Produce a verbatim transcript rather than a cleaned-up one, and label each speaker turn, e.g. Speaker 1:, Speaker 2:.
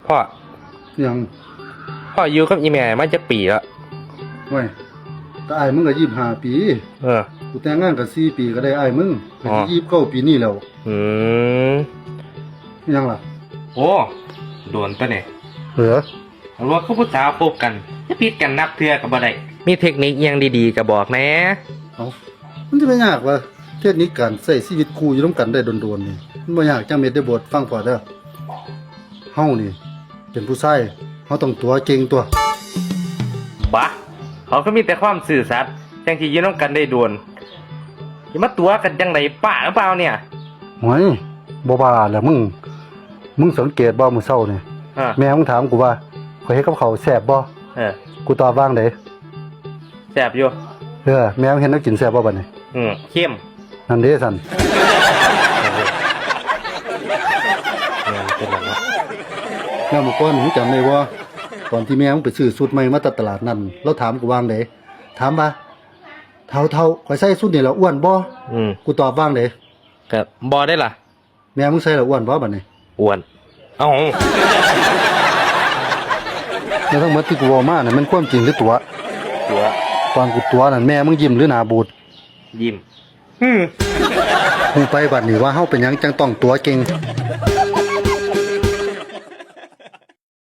Speaker 1: พ่อ
Speaker 2: ยัง
Speaker 1: พ่ออยู่กับอีแม่มันจะปีแล้ว
Speaker 2: เว้ยแต่ไอ้มึงก็ยี่สิบห้าปี
Speaker 1: เออ
Speaker 2: กูแต่งงานกันสี่ปีก็ได้ไอ้มึงก็สิยี่สิบเก้าปีนี่แล้ว
Speaker 1: อืม
Speaker 2: ยังล่ะ
Speaker 1: โอ้โดนตัวเนี่ย
Speaker 2: เหรอ
Speaker 1: รู้ว่าเขาผู้สาวพบกันจะผิดกันนับเทื่อกับบ่ได้มีเทคนิคยังดีๆก็บอกแหน่
Speaker 2: เอ้ามันจะไม่ยากวะเทคนิคการใช้ชีวิตคู่อยู่ร่วมกันได้โดนๆนี่มันบ่ยากจังเม็ดได้บทฟังพอเด้อเฮานี่เป็นผู้ชายเฮาต้องตัวเก่งตัว
Speaker 1: บ้าเขาก็มีแต่ความสื่อสัตย์จังที่ยืนร่วมกันได้โดนอย่ามาตัวกันจังไดป้าหรือเปล่าเนี่ย
Speaker 2: โอ้ยบ่บ้าแล้วมึงมึงสังเกตบ่มื้อเช้านี่แม่มึงถามกูว่าข่อยเฮ็ดกับข้าวแซ่บบ่
Speaker 1: เออ
Speaker 2: กูตอบว่างได
Speaker 1: แซ่บอยู่
Speaker 2: เออแม่มึงเห็นแล้วกินแซ่บบ่บัดนี้
Speaker 1: อืมเข้ม
Speaker 2: นั่นเด้ซั่นแล้วเมื่อก่อนมึงจำได้บ่ตอนที่แม่มึงไปซื้อสูตรใหม่มาจากตลาดนั่นแล้วถามกูว่างไดถามว่าเท่าเท่าข่อยใส่สูตรนี่แล้วอ้วนบ่
Speaker 1: อืม
Speaker 2: กูตอบว่างได
Speaker 1: ก็บ่ได้ล่ะ
Speaker 2: แม่มึงใส่แล้วอ้วนบ่บัดนี้
Speaker 1: อ้วนเอ้า
Speaker 2: แล้วทั้งหมดที่กูเว้ามาน่ะมันความจริงหรือตัว
Speaker 1: ตัว
Speaker 2: ตอนกูตัวนั่นแม่มึงยิ้มหรือหน้าบูด
Speaker 1: ยิ้มอืม
Speaker 2: กูไปบัดนี้ว่าเฮาเป็นหยังจังต้องตัวเก่ง